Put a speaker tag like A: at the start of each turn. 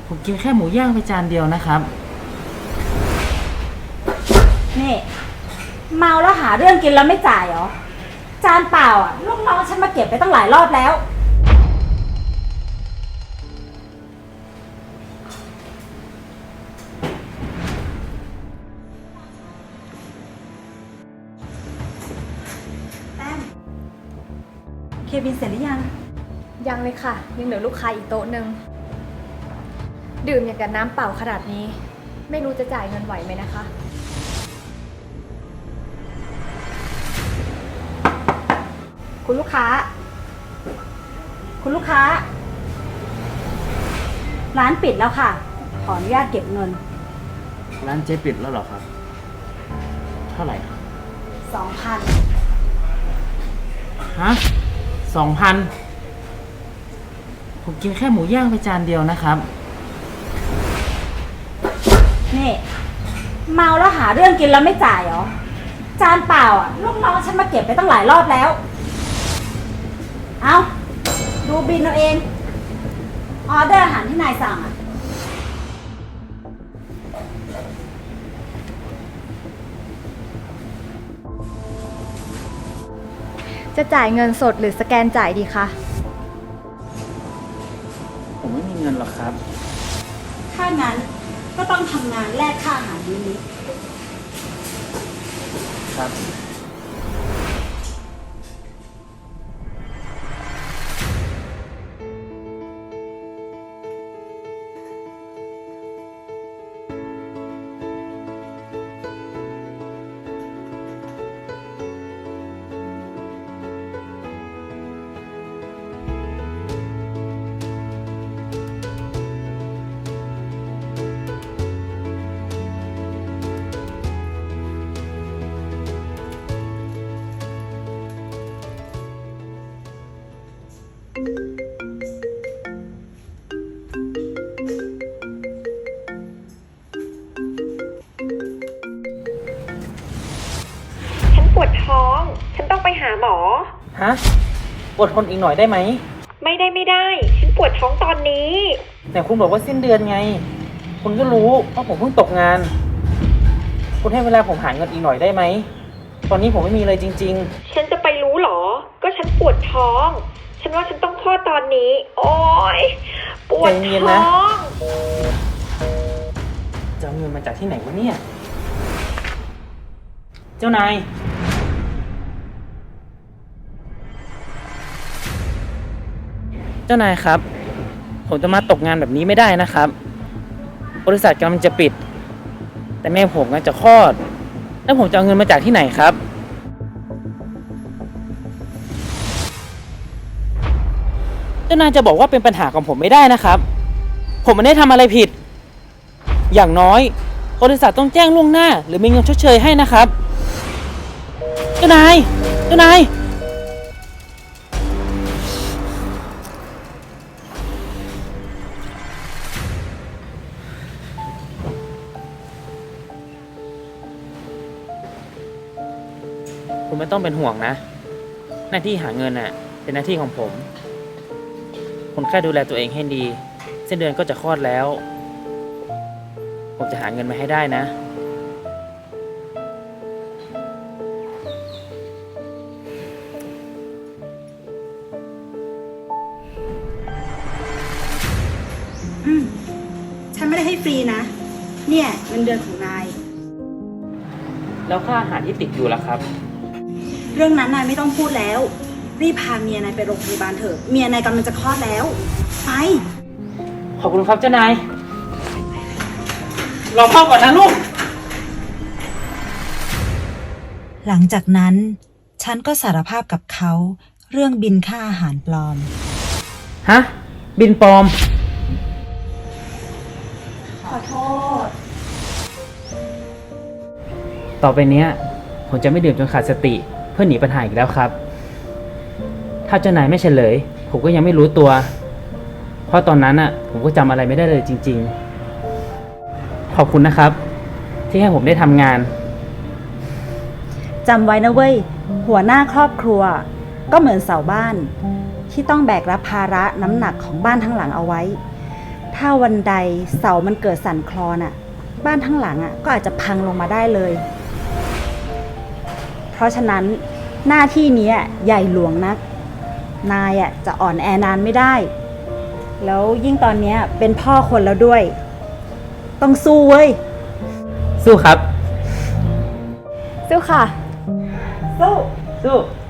A: ผมกินแค่หมูย่างไปจานเดียวนะครับ
B: นี่เมาแล้วหาเรื่องกินแล้วไม่จ่ายเหรอจานเปล่าอ่ะลูกน้องฉันมาเก็บไปตั้งหลายรอบแล้วแต้มเคบินเสร็จหรือยัง
C: ยังเลยค่ะยังเหลือลูกค้าอีกโต๊ะหนึ่งดื่มอย่างกับน้ำเปล่าขนาดนี้ไม่รู้จะจ่ายเงินไหวไหมนะคะ
B: คุณลูกค้า คุณลูกค้า ร้านปิดแล้วค่ะ ขออนุญาตเก็บเงิน
A: ร้านเจ๊ปิดแล้วเหรอครับเท่าไหร่ครับ
B: 2,000
A: ฮะ2,000ผมกินแค่หมูย่างไปจานเดียวนะครับ
B: นี่เมาแล้วหาเรื่องกินแล้วไม่จ่ายเหรอจานเปล่าอ่ะลูกน้องฉันมาเก็บไปตั้งหลายรอบแล้วเอาดูบินเอาเองออเดอร์อาหารที่นายสั่งอ่ะ
C: จะจ่ายเงินสดหรือสแกนจ่ายดีคะ
A: ผมไม่มีเงินหรอกครับ
B: ถ้างั้นก็ต้องทำงานแลกค่าอาหารมื้อนี้
A: ครับ
D: ฉันปวดท้อง ฉันต้องไปหาหมอ
A: ฮะอดทนอีกหน่อยได้ไหม
D: ไม่ได้ ฉันปวดท้องตอนนี้
A: แต่คุณบอกว่าสิ้นเดือนไง คุณก็รู้ว่าผมเพิ่งตกงาน คุณให้เวลาผมหาเงินอีกหน่อยได้ไหม ตอนนี้ผมไม่มีเลยจริง
D: ฉันจะไปรู้หรอ ก็ฉันปวดท้อง ฉันว่าฉันต้องคลอดตอนนี้ โอ๊ย ปวด
A: ใจเย็น
D: ท้
A: นะ
D: อง
A: ๆ จะเอาเงินมาจากที่ไหนวะเนี่ย เจ้านาย เจ้านายครับ ผมจะมาตกงานแบบนี้ไม่ได้นะครับ บริษัทกำลังจะปิด แต่แม่ผมกำลังจะคลอด แล้วผมจะเอาเงินมาจากที่ไหนครับ เจ้านายจะบอกว่าเป็นปัญหาของผมไม่ได้นะครับ ผมไม่ได้ทำอะไรผิด อย่างน้อยบริษัทต้องแจ้งล่วงหน้า หรือมีเงินชดเชยให้นะครับ เจ้านาย เจ้านาย คุณไม่ต้องเป็นห่วงนะ หน้าที่หาเงินน่ะ เป็นหน้าที่ของผม คุณแค่ดูแลตัวเองให้ดีเส้นเดือนก็จะคลอดแล้ว ผมจะหาเงินมาให้ได้นะ
B: ฉันไม่ได้ให้ฟรีนะ เนี่ยเงินเดือนของนาย
A: แล้วค่าอาหารที่ติดอยู่ล่ะครับ
B: เรื่องนั้นนายไม่ต้องพูดแล้ว รีบพาเมียนายไปโรงพยาบาลเถอะ เมียนายกำลังจะคลอดแล้ว ไป
A: ขอบคุณครับเจ้านาย รอพ่อก่อนนะลูก
B: หลังจากนั้น ฉันก็สารภาพกับเขาเรื่องบินค่าอาหารปลอม
A: ฮะ บินปลอม
B: ขอโทษ
A: ต่อไปเนี้ย ผมจะไม่ดื่มจนขาดสติเพื่อหนีปัญหาอีกแล้วครับ ถ้าเจ้านายไม่เฉลย ผมก็ยังไม่รู้ตัว เพราะตอนนั้นผมก็จำอะไรไม่ได้เลยจริงๆ ขอบคุณนะครับ ที่ให้ผมได้ทำงาน
B: จำไว้นะเว้ย หัวหน้าครอบครัว ก็เหมือนเสาบ้าน ที่ต้องแบกรับภาระน้ำหนักของบ้านทั้งหลังเอาไว้ถ้าวันใดเสามันเกิดสั่นคลอนอ่ะ บ้านทั้งหลังอ่ะก็อาจจะพังลงมาได้เลย เพราะฉะนั้นหน้าที่นี้ใหญ่หลวงนัก นายอ่ะจะอ่อนแอนานไม่ได้ แล้วยิ่งตอนเนี้ยเป็นพ่อคนแล้วด้วย ต้องสู้เว้ย
A: สู้ครับ
C: สู้ค่ะ
B: สู้
A: สู้